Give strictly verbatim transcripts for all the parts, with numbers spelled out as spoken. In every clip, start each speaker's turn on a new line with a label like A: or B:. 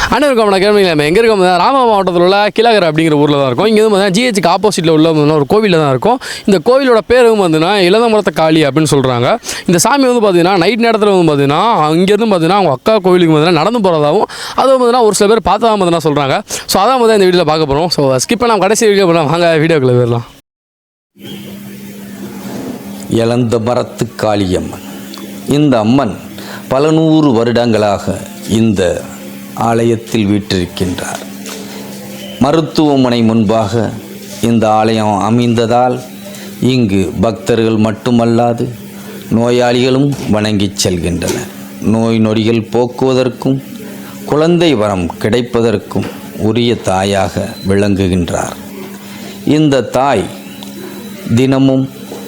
A: அனைவருக்கும் நான் கேள்வி நம்ம எங்கே இருக்கோம் ராம மாவட்டத்தில் உள்ள கிழகர் அப்படிங்கிற ஊரில் தான் இருக்கும். இங்கே வந்து பார்த்தீங்கன்னா ஜிஹெச்சுக்கு ஆப்போசிட்டில் உள்ள ஒரு கோவிலில் தான் இருக்கும். இந்த கோவிலோட பேரும் பார்த்தீங்கன்னா இளந்தமரத்த காளி அப்படின்னு சொல்கிறாங்க. இந்த சாமி வந்து பார்த்தீங்கன்னா நைட் நேரத்தில் வந்து பார்த்தீங்கன்னா இங்கேருந்து பார்த்தீங்கன்னா அவங்க அக்கா கோவிலுக்கு பார்த்தீங்கன்னா நடந்து போகிறதாகவும் அதுவும் பார்த்தீங்கன்னா ஒரு சில பேர் பார்த்தா பார்த்தீங்கன்னா சொல்கிறாங்க. ஸோ அதான் வந்து இந்த வீடியோவில் பார்க்க போகிறோம். ஸோ ஸ்கிப் பண்ணாமல் கடைசி வீடியோ பண்ணலாம், வாங்க வீடியோக்குள்ளே போயிடலாம்.
B: இளந்தமரத்து காளியம்மன். இந்த அம்மன் பல நூறு வருடங்களாக இந்த ஆலயத்தில் வீற்றிருக்கின்றார். மருத்துவமனை முன்பாக இந்த ஆலயம் அமைந்ததால் இங்கு பக்தர்கள் மட்டுமல்லாது நோயாளிகளும் வணங்கிச் செல்கின்றனர். நோய் நொடிகள் போக்குவதற்கும் குழந்தை வரம் கிடைப்பதற்கும் உரிய தாயாக விளங்குகின்றார். இந்த தாய் தினமும்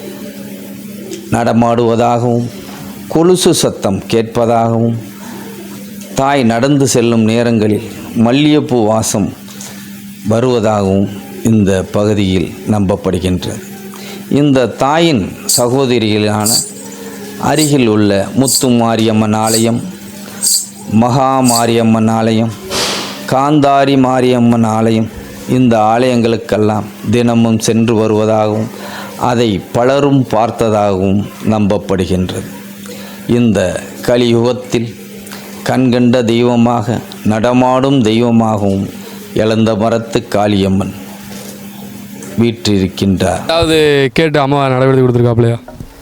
B: நடமாடுவதாகவும் கொலுசு சத்தம் கேட்பதாகவும் தாய் நடந்து செல்லும் நேரங்களில் மல்லிகைப்பூ வாசம் வருவதாகவும் இந்த பகுதியில் நம்பப்படுகின்றது. இந்த தாயின் சகோதரிகளான அருகில் உள்ள முத்து மாரியம்மன் ஆலயம், மகா மாரியம்மன் ஆலயம், காந்தாரி மாரியம்மன் ஆலயம், இந்த ஆலயங்களுக்கெல்லாம் தினமும் சென்று வருவதாகவும் அதை பலரும் பார்த்ததாகவும் நம்பப்படுகின்றது. இந்த கலியுகத்தில் கண்கண்ட தெய்வமாக நடமாடும் தெய்வமாகவும் இளந்தமரத்து காளியம்மன் வீற்றிருக்கின்றார்.
A: அதாவது கேட்டு அம்மா நடவடிக்கை கொடுத்துருக்காப்லையா?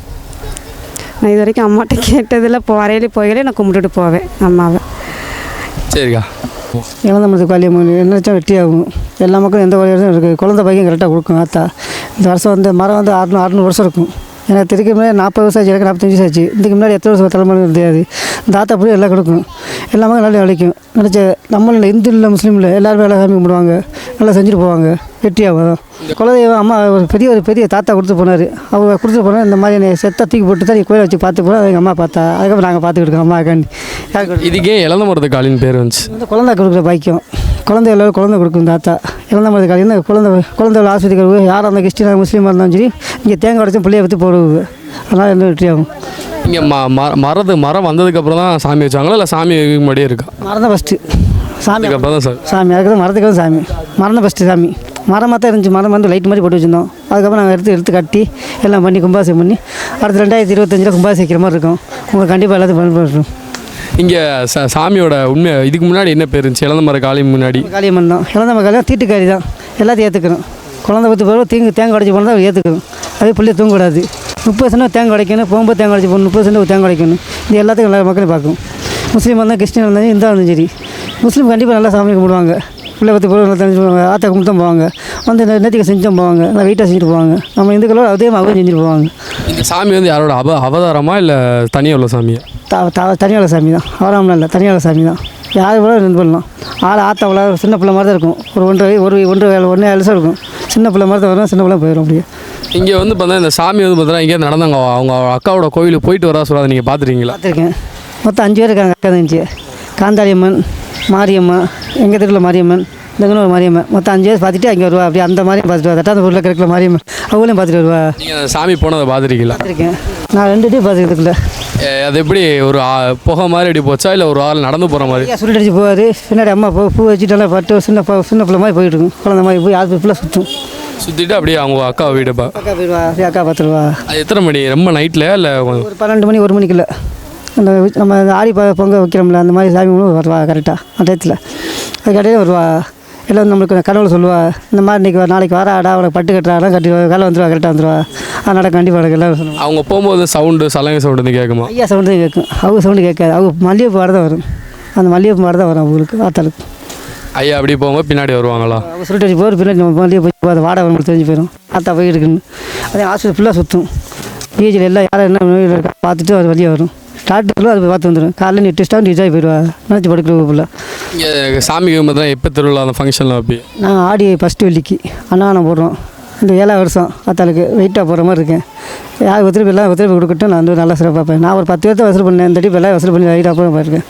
C: நான் இது வரைக்கும் அம்மாட்ட கேட்டதில் இப்போ வரையிலே போகலே நான் கும்பிட்டுட்டு போவேன் அம்மாவை.
A: சரிக்கா.
D: இளந்தமரத்து காளியம்மன் என்னச்சா வெட்டியாகும். எல்லா மக்களும் எந்த வழியும் இருக்குது. குழந்தை பையன் கரெக்டாக கொடுக்கும். ஆத்தா இந்த வருஷம் வந்து மரம் வந்து அறுநூறு அறுநூறு வருஷம் இருக்கும். எனக்கு திருக்க முன்னாடி நாற்பது வருஷம் ஆச்சு, எனக்கு நாற்பத்தஞ்சு வருஷம் ஆச்சு. இதுக்கு முன்னாடி எத்தனை வருஷம் தலைமுறை தெரியாது. இந்த ஆத்தா அப்படி எல்லாம் கொடுக்கும். எல்லாமே நல்லா விளைக்கும். நினச்ச நம்மள இந்து இல்லை முஸ்லீம் இல்லை எல்லோருமே நல்லா சாமி கும்பிடுவாங்க, நல்லா செஞ்சுட்டு போவாங்க. வெட்டியாகும். குலதெய்வம் அம்மா ஒரு பெரிய ஒரு பெரிய தாத்தா கொடுத்து போனார். அவர் கொடுத்துட்டு போனால் இந்த மாதிரி என்னை செத்த தூக்கி போட்டு தான் கோயிலை வச்சு பார்த்து போனால் எங்கள் அம்மா பார்த்தா. அதுக்கப்புறம் நாங்கள் பார்த்துக்கிட்டு இருக்கோம் அம்மாக்காண்டி.
A: இதுக்கே இளந்தமரத்து காளின்னு பேர் வந்துச்சு.
D: வந்து குழந்தை கொடுக்குற பாக்கியம். குழந்தை எல்லோரும் குழந்தை கொடுக்கும் தாத்தா. இளந்தமரத்து காளி வந்து குழந்தை குழந்தை ஆஸ்பத்திரிக்கு யாராக இருந்தால் கிறிஸ்டினாக முஸ்லீமாக இருந்தாலும் சரி இங்கே தேங்காய் உடச்சும் பிள்ளையை வச்சு போடுவது. அதனால் என்ன வெற்றியாகும்.
A: இங்கே ம மரத்து மரம் வந்ததுக்கப்புறம் தான் சாமி வச்சாங்களா இல்லை சாமி முன்னாடியே இருக்கா?
D: மரம் தான் ஃபஸ்ட்டு சாமி.
A: அப்புறம் தான் சார்
D: சாமி. அதுக்கு மரத்துக்கு தான் சாமி. மரம் தான் ஃபஸ்ட்டு சாமி. மரமாக தான் இருந்துச்சு. மரம் வந்து லைட் மாதிரி போட்டு வச்சுருந்தோம். அதுக்கப்புறம் நாங்கள் எடுத்து எடுத்து கட்டி எல்லாம் பண்ணி கும்பாசம் பண்ணி அடுத்த ரெண்டாயிரத்தி இருபத்தஞ்சில் கும்பாசிக்கிற மாதிரி இருக்கும். உங்களுக்கு கண்டிப்பாக எல்லாத்தையும் பயன்படுத்தும்.
A: இங்கே ச சாமியோட உண்மை இதுக்கு முன்னாடி என்ன பேர் இருந்துச்சு? இளந்தமர காளி முன்னாடி
D: காளியம்மன் தான். இளந்தமர காளியம் தீட்டுக்காரி தான். எல்லாத்தையும் ஏற்றுக்கணும். குழந்தை பத்து பிறகு தீங்கு தேங்காய் உடைச்சி போனால் தான் ஏற்றுக்கணும். அதே பிள்ளைய தூங்கக்கூடாது. முப்பது சென்ட் தேங்காய் உடைக்கணும். போகும்போது தேங்காய் உடைச்சி போகணும். முப்பது சென்ட் தேங்காய் உடைக்கணும். இது எல்லாத்துக்கும் எல்லா மக்களையும் பார்க்கும். முஸ்லீம் இருந்தால் கிறிஸ்டின் இருந்தாலும் இந்தா இருந்தாலும் சரி முஸ்லீம் கண்டிப்பாக நல்லா சாமி கும்பிடுவாங்க. பிள்ளை பத்து பிறகு நல்லா தெரிஞ்சு போவாங்க. ஆத்தா கும்பிட்டு தான் போவாங்க. வந்து நேற்றுக்கு செஞ்சும் போவாங்க. நல்லா வெயிட்டாக செஞ்சுட்டு போவாங்க. நம்ம இந்துக்களோட அதே அவங்க செஞ்சுட்டு போவாங்க.
A: இந்த சாமி வந்து யாரோட அவ அவதாரமா இல்லை தனியாக உள்ள சாமியா?
D: த த தனியாள சாமி தான். அவராமலாம் இல்லை, தனியாள சாமி தான். யார் கூட ரெண்டு பண்ணலாம். ஆள் ஆத்தா உள்ள சின்ன பிள்ளை மாதிரி தான் இருக்கும். ஒரு ஒன்றரை ஒரு ஒன்று ஒன்றே அலசம் இருக்கும். சின்ன பிள்ளை மாதிரி தான் வரும். சின்ன பிள்ளை போயிடும். அப்படியே
A: இங்கே வந்து பார்த்தா இந்த சாமி வந்து பார்த்தீங்கன்னா இங்கே நடந்தாங்க அவங்க அக்காவோட கோவிலுக்கு போயிட்டு வரா சொல்லாத நீங்கள் பார்த்துருக்கீங்களா?
D: பார்த்துருக்கேன். மொத்தம் அஞ்சு பேர் இருக்காங்க. அக்கா இருந்துச்சு. காந்தாரியம்மன், மாரியம்மா, எங்கள் தெருவில் மாரியம்மன், இந்த ஒரு மாரியம்மன். மொத்தம் அஞ்சு பேர் பார்த்துட்டு அங்கே வருவா. அப்படி அந்த மாதிரியும் பார்த்துட்டு வா. தட்டாந்த ஊரில் கிடைக்கல மாரியம்மன் அவங்களையும் பார்த்துட்டு வருவா.
A: நீங்கள் அந்த சாமி போனதை பார்த்துருக்கீங்களா?
D: பார்த்துருக்கேன். நான் ரெண்டு டே பார்த்துக்கிறதுல.
A: அது எப்படி ஒரு புகை மாதிரி எப்படி போச்சா இல்லை ஒரு ஆள் நடந்து போகிற மாதிரி?
D: சுருட்டு அடிச்சு போவார். பின்னாடி அம்மா பூ பூ வச்சுட்டு பட்டு சின்ன சின்ன பிள்ளை மாதிரி போயிட்டு இருக்கும். குழந்தை மாதிரி போய் ஆறு ஃபுல்லாக சுற்றும்.
A: சுற்றிட்டு அப்படியே அவங்க அக்கா வீடுப்பா
D: அக்கா போயிடுவா. அக்கா பார்த்துருவா.
A: அது எத்தனை மணி? ரொம்ப நைட்டில் இல்லை
D: ஒரு பன்னெண்டு மணி ஒரு மணிக்குள்ள அந்த நம்ம ஆடி ப பொங்க வைக்கிறோம்ல அந்த மாதிரி சாமி வருவா கரெக்டாக அந்த டயத்தில். அது கடையில் வருவா. எல்லாம் நம்மளுக்கு கடவுளை சொல்லுவா. இந்த மாதிரி இன்றைக்கி நாளைக்கு வர ஆடா அவளை பட்டு கட்டுறாடா கட்டி வேலை வந்துடுவா கரெக்டாக வந்துடுவா. அதனால் கண்டிப்பாக எனக்கு எல்லோரும் சொல்லுவாங்க.
A: அவங்க போகும்போது சவுண்டு சலங்கை சவுண்டு வந்து கேட்குமா?
D: ஐயா சவுண்டு தான் கேட்கும். அவங்க சவுண்டு கேட்காது. அவங்க மல்லிகைப்பூ மாடு தான் வரும். அந்த மல்லிகைப்பூ மாடு தான் வரும் அவங்களுக்கு ஆத்தாளுக்கு.
A: ஐயா அப்படி போகும்போது பின்னாடி வருவாங்களா?
D: அவங்க சுருட்டு அடிச்சு போகிற பின்னாடி நம்ம மல்லிகை போய் அதை வாடகை அவங்களுக்கு தெரிஞ்சு போயிடும். ஆத்தா போய் இருக்குன்னு அதே ஹாஸ்பிட்டல் ஃபுல்லாக சுற்றும். பிஹெச்சில் எல்லாம் யாரும் என்ன நோயில் இருக்கா பார்த்துட்டு அது வழியாக வரும். டாக்டர்களும் அது போய் பார்த்து வந்துடும். காலையில் நீ டெஸ்ட்டாக நீட்டாக போயிடுவா. நினச்சி படுக்கிற ஃபுல்லாக.
A: இங்கே சாமி கும்பிட்றேன் எப்போ திருவிழா அந்த ஃபங்க்ஷன்லாம் அப்படி?
D: நான் ஆடி ஃபஸ்ட்டு வெள்ளிக்கு அன்னதானம் போடுறோம். இந்த ஏழாவது வருஷம் ஆத்தாளுக்கு வெயிட்டாக போகிற மாதிரி இருக்கேன். யார் ஒத்துழைப்பு எல்லாம் ஒத்துழைப்பு கொடுக்கட்டும். நான் வந்து நல்லா சிறப்பாக பார்ப்பேன். நான் ஒரு பத்து பேர்த்த வசூல் பண்ணேன். இந்த டிப்பு எல்லாம் வசூல் பண்ணி வெயிட்டாக போகிற பார்த்துருக்கேன்.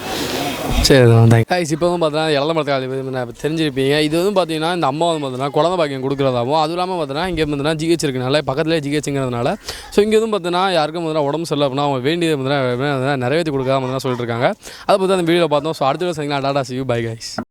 A: சரி தான் தேங்க்ஸ். இப்போ வந்து பார்த்தீங்கன்னா இளந்தமரத்து காளி தெரிஞ்சிருப்பீங்க. இது வந்து பார்த்தீங்கன்னா இந்த அம்மா வந்து பார்த்தீங்கன்னா குழந்தை பாக்கியம் கொடுக்குறதாகவும் அதுவும் இல்லாமல் பார்த்தீங்கன்னா இங்கே பார்த்தீங்கன்னா ஜிஹெச் இருக்குனால பக்கத்துலேயே ஜிஹெச்சுங்கிறதுனால ஸோ இங்கே வந்து பார்த்தீங்கன்னா யாருக்கும் பார்த்தீங்கன்னா உடம்பு சரியில்லை அப்படின்னா அவங்க வேண்டியது பார்த்தீங்கன்னா நிறைவேற்றி கொடுக்காம சொல்லிட்டு இருக்காங்க. அதை பற்றி அந்த வீடியோவில் பார்த்தோம். ஸோ அடுத்த வீடியோ சந்திக்கலாம். Tata see you bye guys.